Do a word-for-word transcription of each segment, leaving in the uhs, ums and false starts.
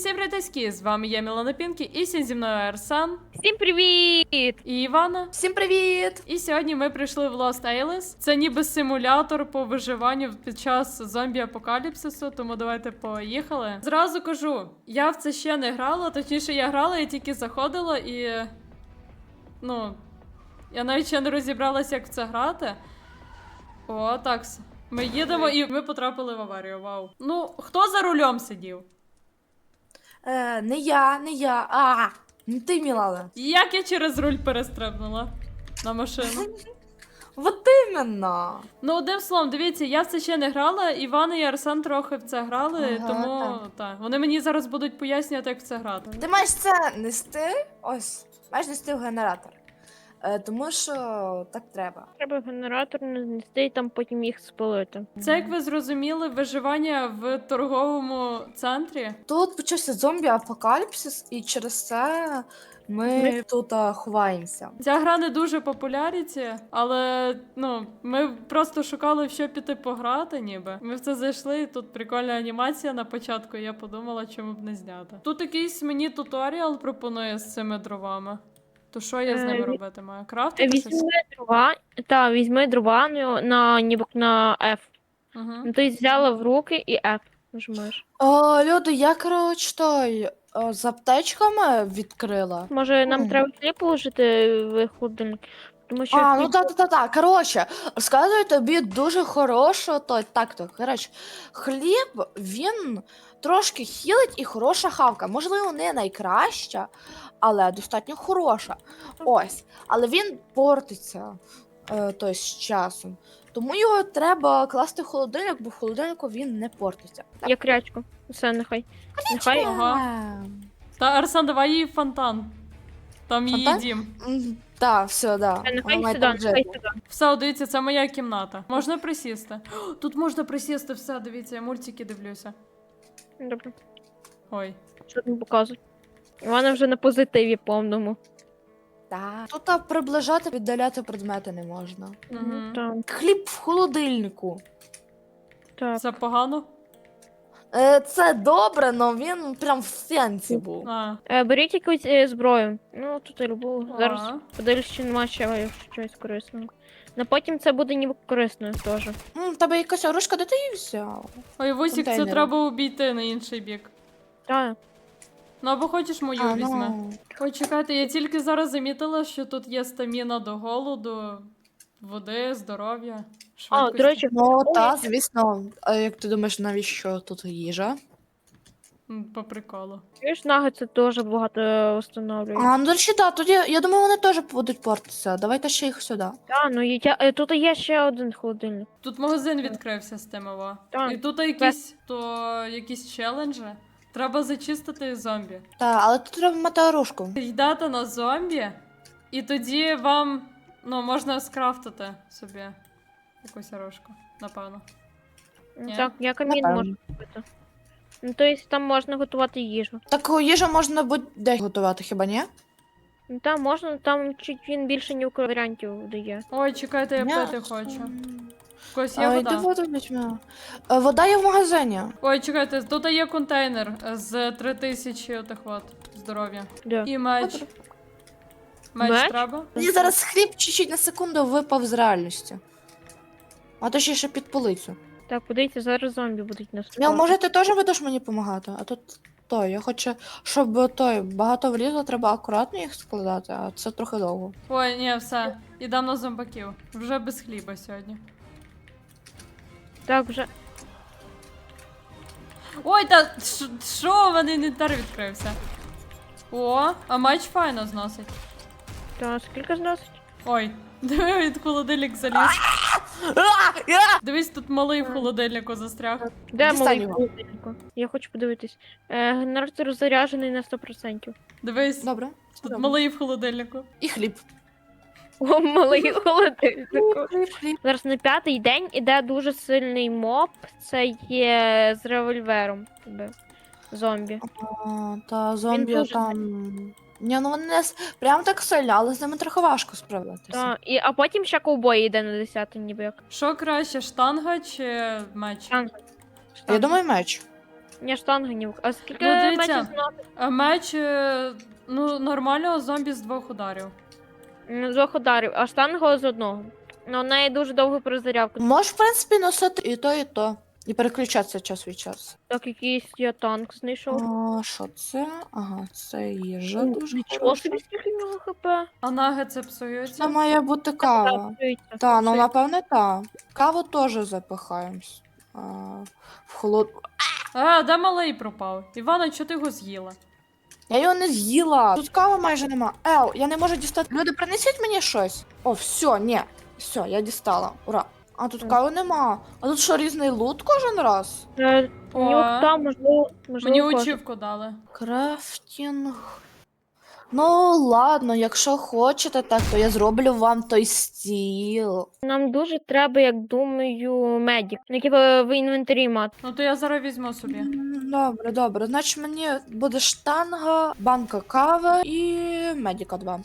всім привітки, з вами я, Мілана Пінкі, і сьогодні зі мною Арсен. Всім привіт! І Івана. Всім привіт! І сьогодні ми прийшли в Lost Alice. Це ніби симулятор по виживанню під час зомбі-апокаліпсису, тому давайте поїхали. Зразу кажу, я в це ще не грала, точніше я грала, я тільки заходила і... Ну... Я навіть ще не розібралася, як в це грати. О, так. Ми їдемо і ми потрапили в аварію, вау. Ну, хто за рулем сидів? Е, не я, не я. А, не ти, Мілана. Як я через руль перестрибнула на машину? Вот іменно. Ну, одним словом, дивіться, я в це ще не грала, Іван і Арсен трохи в це грали, Ага, тому так. так. Вони мені зараз будуть пояснювати, як в це грати. Ти маєш це нести, ось, маєш нести в генератор. Е, тому що так треба. Треба генератор нести і там потім їх спалити. Це, як ви зрозуміли, виживання в торговому центрі. Тут почався зомбі-апокаліпсис, і через це ми Ми- тут а, ховаємося. Ця гра не дуже популяріті, але ну, ми просто шукали, в що піти пограти, ніби. Ми в це зайшли, і тут прикольна анімація на початку, і я подумала, чому б не зняти. Тут якийсь мені туторіал пропонує з цими дровами. То що я з Е, ними ві- робити маю? Крафтити щось? Візьми дрова, та, візьми дрова на, на, ніби на F. Угу. Ну, ти взяла в руки і F нажимаєш. О, люди, я, коротше, той, о, з аптечками відкрила. Може, нам Мгм. треба хліб положити в холодильник? Тому що А, ну хліб- так, так, так, так. Коротше, розказую тобі дуже хорошу, то так, то, коротше, хліб, він трошки хілить і хороша хавка. Можливо, не найкраща, але достатньо хороша. Ось. Але він портиться е, той, з часом. Тому його треба класти в холодильник, бо в холодильнику він не портиться. Я крячку. Все, нехай. Нехай. Ага. Ем, Та, Арсен, давай їй фонтан. Там її Фонтан? дім. м, Так, все, да. Нехай Вона має сюди, там нехай жити. сюди. Все, дивіться, це моя кімната. Можна присісти? О, тут можна присісти, все, дивіться, я мультики дивлюся. Добре. Ой. Що там показує? Вона вже на позитиві повному. Так. Тут а, приближати, віддаляти предмети не можна. Угу. Так, Хліб в холодильнику. так. Це погано? Е, Це добре, але він прям в сенсі був. А. Е, беріть якусь е, зброю. Ну, тут і любу. Зараз Ага. подивлюсь, чи нема ще щось корисного. На потім це буде ніби корисною теж. М, в тебе якась оружка, де ти її взяв? Ой, Вусік, це Контейнери. треба обійти на інший бік. Так. Ну або хочеш мою А, візьми. ну. Ой, чекайте, я тільки зараз замітила, що тут є стаміна до голоду, води, здоров'я, А, швидкості. до речі, Ну, Ой. так, звісно. А як ти думаєш, навіщо тут їжа? М, По приколу. чуєш, нагетси теж багато встановлюють. А, ну, до речі, так, тоді, я думаю, вони теж будуть портитися. Давайте ще їх сюди. Так, ну і я, е, тут є ще один холодильник. Тут магазин відкрився з тим, ова. Так. І тут якісь, то якісь челенджі. Треба зачистити зомбі. Так, але тут треба мати оружку. Йдете на зомбі, і тоді вам, ну, можна скрафтити собі якусь оружку, напевно. Ну, Ні. Так, я камін Напевно. можу купити. Ну, тобто там можна готувати їжу. Таку їжу можна будь-де готувати, хіба ні? Ну там можна, там чуть він більше ні варіантів дає. Ой, чекайте, я Ні. пити хочу. В когось є А, йди вода? воду візьми. Е, Вода є в магазині. Ой, чекайте, тут є контейнер з три тисячі отих от здоров'я. Де? І меч. Добре. Меч, Меч? треба? Мені зараз хліб чуть-чуть на секунду випав з реальності. А то ще ще під полицю. Так, подивіться, зараз зомбі будуть нас. Міл, може ти теж будеш мені допомагати? А тут той, я хочу, щоб той багато влізло, треба акуратно їх складати, а це трохи довго. Ой, ні, все. Ідемо на зомбаків. Вже без хліба сьогодні. Так, вже. Ой, та ш- що, в мене інвентар відкрився. О, а меч файно зносить. Так, скільки зносить? Ой, диви, від холодильник заліз. Дивись, тут малий в холодильнику застряг. Де Дістань малий його. холодильник? Я хочу подивитись. Е, генератор заряджений на сто відсотків. Дивись, Добре. тут добре. малий в холодильнику. І хліб. О, малий холодильник. Хліб, хліб. Зараз на п'ятий день іде дуже сильний моб. Це є з револьвером. якби, Зомбі. А, та зомбі дуже там. Ні, ну вони не с- прям так сильно, але з ними трохи важко справлятися. Та, і, а потім ще ковбой йде на десятий, ніби як. Що краще, штанга чи меч? Штанга. Я думаю, меч. Ні, штанги ні. А скільки Ну, дивіться. мечів знати? А меч, е, ну, нормального зомбі з двох ударів. М, З двох ударів, а штанга з одного. Ну, у неї дуже довго перезарядка. Можеш, в принципі, носити і то, і то. І переключатися час від часу. Так, якийсь я танк знайшов. А, що це? Ага, це їжа Ух, дуже Нічого хороша. собі скільки в нього хп. А наги це Це псуються. має бути кава. Псується, Та, ну псується. напевне, та. Каву теж запихаємо. А, в холод. А, де малий пропав? Івана, чого ти його з'їла? Я його не з'їла. Тут кави майже нема. Ел, я не можу дістати. Люди, принесіть мені щось. О, все, ні. Все, я дістала. Ура. А тут Мгм. кави нема. А тут що, різний лут кожен раз? Е, О, Ні, от там, можливо, можливо, мені кожен. учівку дали. Крафтінг. Ну, ладно, якщо хочете, так, то я зроблю вам той стіл. Нам дуже треба, як думаю, медік, який в, в інвентарі мати. Ну то я зараз візьму собі. М, Добре, добре. Значить, мені буде штанга, банка кави і медіка два.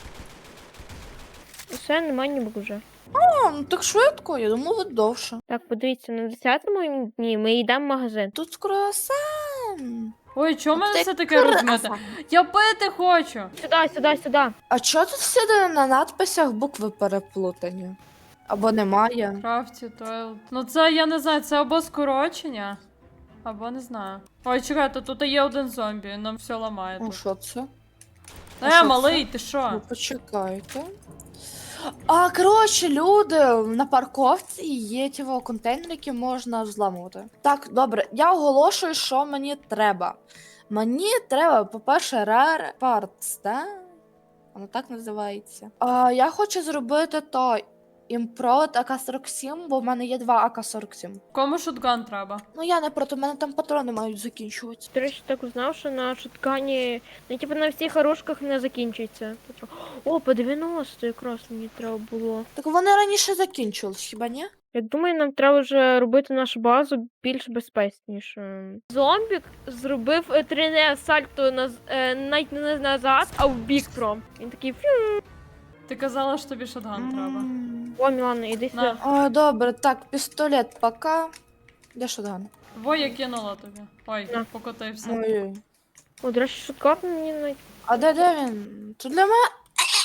Все, немає ніби вже. А, ну так швидко, я думав, ви довше. Так, подивіться, на десятому дні ми йдемо в магазин. Тут круасан. Ой, чого в мене Ти все таке розмите? Я пити хочу! Сюди, сюди, сюди. А чого тут всюди на надписях букви переплутані? Або немає? Крафті, тойл. Ну це я не знаю, це або скорочення, або не знаю. Ой, чекайте, тут є один зомбі, нам все ламає Ну, тут. що це? а Е, що малий, ти Ну, що? почекайте. А, коротше, люди, на парковці є ті во контейнери, які можна взламувати. Так, добре, я оголошую, що мені треба. Мені треба, по-перше, Rare Parts, да? Воно так називається. А, я хочу зробити то Improd А К сорок сім, бо в мене є два А К сорок сім. Кому шотган треба? Ну я не проти, в мене там патрони мають закінчуватися. До речі, так узнав, що на шуткані, ну типу на всіх оружках не закінчується. О, по дев'яносто якраз мені треба було. Так вони раніше закінчились, хіба ні? Я думаю, нам треба вже робити нашу базу більш безпечнішою. Зомбік зробив е, тріне сальто наз... е, навіть не назад, а в бік пром. Він такий фью. Ти казала, що тобі шотган треба. М. О, Мілана, іди сюди. На. О, добре, так, пістолет пока. Де шотган? Во, я кинула тобі. Ой, На. покотився. Ой. О, до речі, шуткар мені навіть. А де, де він? Тут для мене.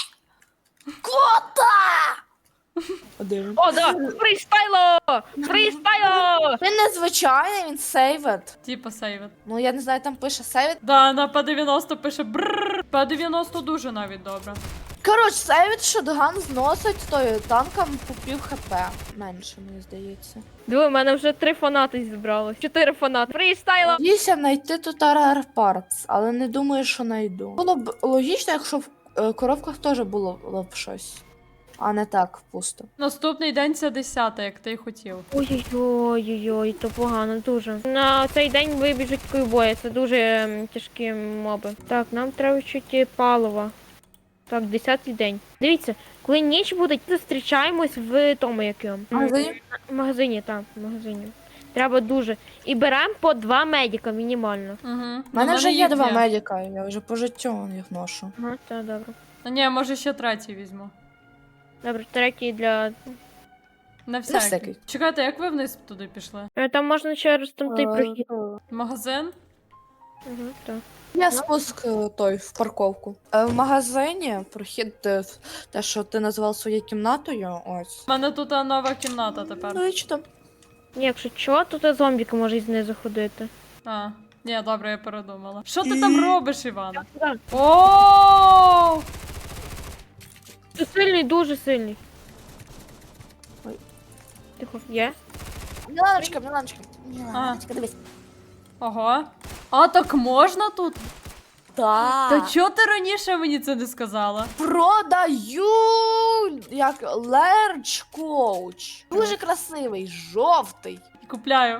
Кота! А де він? О, да! Фрістайло! Фрістайло! Він незвичайний, він сейвет. Типа сейвит. Ну я не знаю, там пише сейвет. Да, на П дев'яносто пише брррр. П дев'яносто дуже навіть добре. Коротше, сейвет шотган зносить тою танком по пів хп. Менше, мені здається. Диви, в мене вже три фанати зібралось. Чотири фанати. Фрістайло! Надіюся знайти тут Rare Parts, але не думаю, що знайду. Було б логічно, якщо в е, коробках теж було, було б щось. А не так пусто. Наступний день це десяте, як ти й хотів. Ой-ой-ой, то погано дуже. На цей день вибіжуть ковбої, це дуже ем, тяжкі моби. Так, нам треба чуть палива. Так, десятий день. Дивіться, коли ніч буде, зустрічаємось в тому якому. Магазині? В магазині, так, в магазині. Треба дуже. І беремо по два медика мінімально. Угу. У мене вже є два медика, я вже по життю їх ношу. Ага, так, добре. А ні, може ще третій візьму. Добре, третій для. На всякий. всякий. Чекайте, як ви вниз туди пішли? Е, Там можна через там той прохід. Магазин? Ага, так. Я спуск е, той в парковку. Е, В магазині прохід е, в- те, що ти назвав своєю кімнатою. Ось. У мене тут а, нова кімната тепер. Ну і що там? Ні, якщо чого, то та зомбіки може знизу ходити. А, ні, добре, я передумала. Що ти там робиш, Іван? Так. О! Ти сильний, дуже сильний. Ой. Тихо, є? Міланочка, Міланочка. Міланочка, дивись. Ого. А так можна тут? Та Так. чого ти раніше мені це не сказала? Продаю як Large Coach. Дуже красивий, жовтий. Купляю.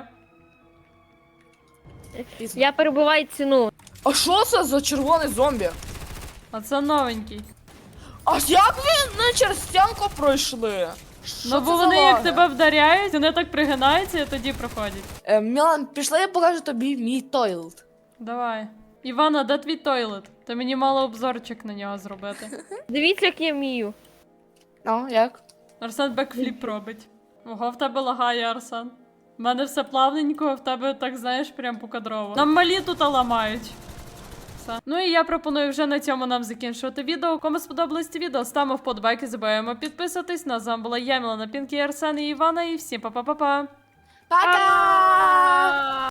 Пізно. Я перебуваю ціну. А що це за червоний зомбі? А це новенький. А як ви не через стінку пройшли? Що Ну це бо за вони як лаги? тебе вдаряють, вони так пригинаються і тоді проходять. Е, Мілан, пішли, я покажу тобі мій тойлет. Давай. Івана, де твій тойлет? Ти мені мало обзорчик на нього зробити. Дивіться, як я вмію. Ну, як? Арсен бекфліп робить. Ого, в тебе лагає, Арсен. У мене все плавненько, а в тебе так, знаєш, прям покадрово. Нам малі тут ламають. Все. Ну і я пропоную вже на цьому нам закінчувати відео. Кому сподобалось це відео, ставимо вподобайки, забуваємо підписатись. На з вами була я, Мілана, Пінкі, Арсен і Івана, і всім па-па-па-па. Пока!